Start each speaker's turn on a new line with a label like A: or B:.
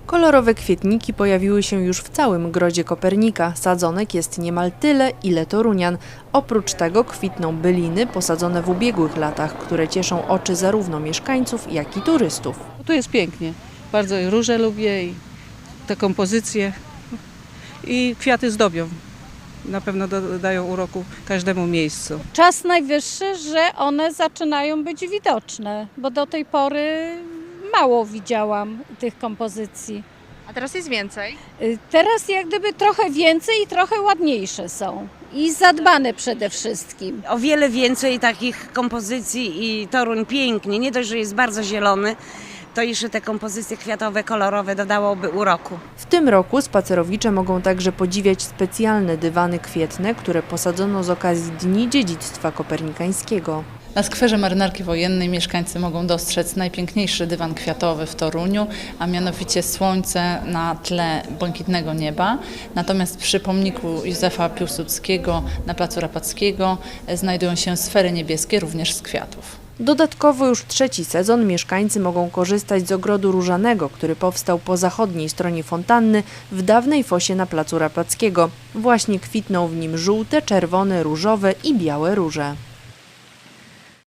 A: Kolorowe kwietniki pojawiły się już w całym Grodzie Kopernika. Sadzonek jest niemal tyle, ile torunian. Oprócz tego kwitną byliny posadzone w ubiegłych latach, które cieszą oczy zarówno mieszkańców, jak i turystów.
B: Tu jest pięknie. Bardzo i róże lubię i te kompozycje i kwiaty zdobią. Na pewno dodają uroku każdemu miejscu.
C: Czas najwyższy, że one zaczynają być widoczne, bo do tej pory mało widziałam tych kompozycji.
A: A teraz jest więcej?
C: Teraz jak gdyby trochę więcej i trochę ładniejsze są. I zadbane przede wszystkim.
D: O wiele więcej takich kompozycji i Toruń pięknie, nie dość, że jest bardzo zielony, to jeszcze te kompozycje kwiatowe, kolorowe dodałoby uroku.
A: W tym roku spacerowicze mogą także podziwiać specjalne dywany kwietne, które posadzono z okazji Dni Dziedzictwa Kopernikańskiego.
E: Na skwerze Marynarki Wojennej mieszkańcy mogą dostrzec najpiękniejszy dywan kwiatowy w Toruniu, a mianowicie słońce na tle błękitnego nieba. Natomiast przy pomniku Józefa Piłsudskiego na placu Rapackiego znajdują się sfery niebieskie, również z kwiatów.
A: Dodatkowo już trzeci sezon mieszkańcy mogą korzystać z ogrodu różanego, który powstał po zachodniej stronie fontanny w dawnej fosie na placu Rapackiego. Właśnie kwitną w nim żółte, czerwone, różowe i białe róże.